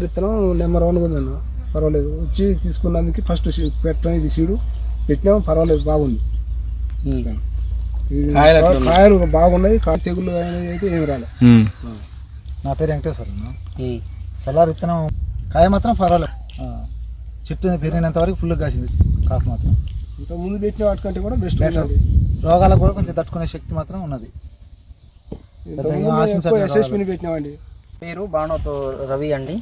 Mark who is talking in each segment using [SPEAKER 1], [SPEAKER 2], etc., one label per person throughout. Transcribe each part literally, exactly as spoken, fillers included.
[SPEAKER 1] సలార్ విత్తనం number one ఉంది అన్న, పర్వాలేదు. వచ్చి తీసుకున్నందుకు ఫస్ట్ పెట్టడం ఇది సీడు పెట్టినాము, పర్వాలేదు, బాగుంది. కాయలు బాగున్నాయి, తెగుళ్ళు అయితే ఏమి రాలేదు.
[SPEAKER 2] నా పేరు వెంకటేశ్వర. సలార్ విత్తనం కాయ మాత్రం పర్వాలేదు, చెట్టు పెరిగినంత వరకు ఫుల్గా కాసింది. కాపు మాత్రం
[SPEAKER 1] ఇంత ముందు పెట్టిన వాటికంటే కూడా బెస్ట్ ఉంటుంది.
[SPEAKER 2] రోగాలకు కూడా కొంచెం తట్టుకునే శక్తి మాత్రం ఉన్నది.
[SPEAKER 1] యశస్విని పెట్టినామండి.
[SPEAKER 3] పేరు బాణోతో రవి అండి.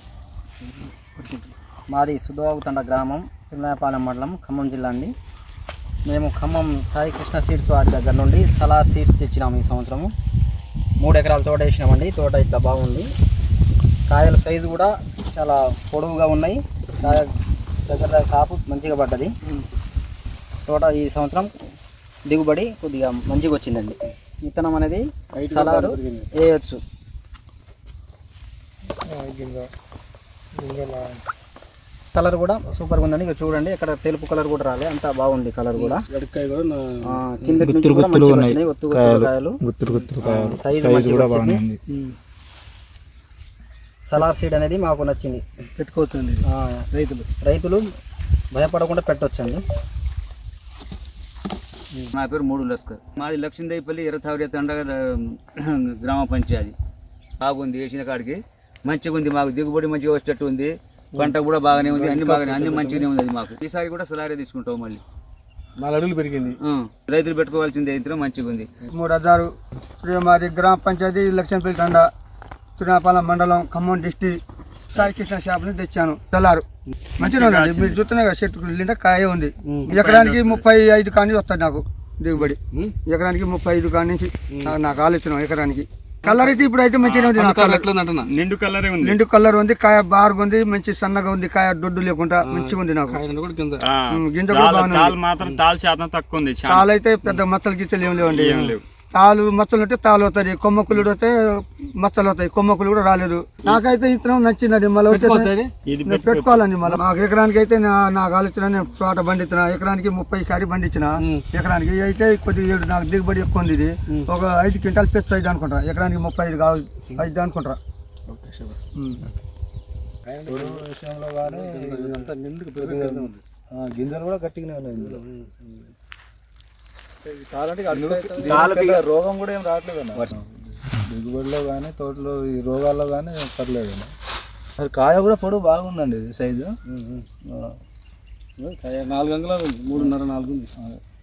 [SPEAKER 3] మాది సుధవాగుతండ గ్రామం, తిరునాయపాలెం మండలం, ఖమ్మం జిల్లా అండి. మేము ఖమ్మం సాయి కృష్ణ సీడ్స్ వారి దగ్గర నుండి సలార్ సీడ్స్ తెచ్చినాము. ఈ సంవత్సరము మూడు ఎకరాల తోట వేసినామండి. తోట ఇట్లా బాగుంది. కాయల సైజు కూడా చాలా పొడవుగా ఉన్నాయి. కాయ దగ్గర దగ్గర కాపు మంచిగా పడ్డది. తోట ఈ సంవత్సరం దిగుబడి కొద్దిగా మంచిగా వచ్చిందండి. విత్తనం అనేది సలారు వేయచ్చు. కలర్ కూడా సూపర్గా ఉందండి. ఇక చూడండి, ఇక్కడ తెలుపు కలర్ కూడా రాలే, అంతా బాగుంది కలర్ కూడా. కింద సైజు కూడా బాగుంది. సలార్ సీడ్ అనేది మాకు నచ్చింది,
[SPEAKER 1] పెట్టుకోవచ్చండి.
[SPEAKER 3] రైతులు రైతులు భయపడకుండా పెట్టవచ్చండి.
[SPEAKER 4] నా పేరు మూడు లస్కర్. మాది లక్ష్మీదేవిపల్లి ఎర్రతావరి తండ గ్రామ పంచాయతీ. బాగుంది, వేసిన కాడికి మంచిగా ఉంది. మాకు దిగుబడి మంచిగా వచ్చేటట్టు ఉంది. పంట కూడా బాగానే ఉంది, అన్ని బాగానే అన్ని మంచిగానే ఉంది. అది మాకు ఈసారి కూడా సలారే తీసుకుంటాం. మళ్ళీ
[SPEAKER 1] నాలుగు అడుగులు పెరిగింది.
[SPEAKER 4] రైతులు పెట్టుకోవాల్సింది అయితే మంచిగా ఉంది.
[SPEAKER 5] మూడు హజారు మాది గ్రామ పంచాయతీ లక్ష్మీపల్లి తండ, తిరునాపాలెం మండలం, ఖమ్మం డిస్టిక్. సాయి కృష్ణ షాప్ నుంచి తెచ్చాను. సలారు మంచిగా ఉందండి. మీరు చూస్తున్నాయి కదా, చెట్టు నిండా కాయ ఉంది. ఎకరానికి ముప్పై ఐదు కాడి నుంచి వస్తుంది నాకు దిగుబడి. ఎకరానికి ముప్పై ఐదు కాడి నుంచి నాకు ఆలోచన. ఎకరానికి కలర్ అయితే ఇప్పుడు అయితే మంచిగా ఉంది.
[SPEAKER 4] నిండు కలర్
[SPEAKER 5] నిండు కలర్ ఉంది. కాయ బారుగా ఉంది, మంచి సన్నగా ఉంది. కాయ దొడ్డు లేకుండా మంచిగా ఉంది. నాకు గింజ కూడా బాగుంది. తాలు అయితే పెద్ద మచ్చలు గిచ్చలు ఏం లేవండి. తాలు మచ్చలు ఉంటే తాలు అవుతాయి, కొమ్మకులు వస్తే మచ్చలు అవుతాయి. కొమ్మకులు కూడా రాలేదు. నాకైతే ఇతనం నచ్చిందండి. మళ్ళీ వచ్చేసి పెట్టుకోవాలండి. మళ్ళీ మాకు ఎకరానికి అయితే నాకు ఆలోచన, నేను తోట బండిస్తున్నా. ఎకరానికి ముప్పై కాడి బండించిన ఎకరానికి. అయితే కొద్దిగా ఏడు నాకు దిగుబడి ఎక్కువ ఉంది. ఇది ఒక ఐదు క్వింటాలు పెచ్చు ఐదు అనుకుంటా. ఎకరానికి ముప్పై ఐదు కావాలి ఐదు అనుకుంటా.
[SPEAKER 2] విషయంలో కానీ గింజలు కూడా గట్టిగానే ఉన్నాయి. ఇందులో రోగం కూడా ఏం రావట్లేదు అన్న. దిగుబడిలో కానీ తోటలో ఈ రోగాల్లో కానీ పర్లేదు అన్న. అది కాయ కూడా పొడవు బాగుందండి. ఇది సైజు
[SPEAKER 1] నాలుగు అంగుళాలు, మూడున్నర నాలుగు ఉంది.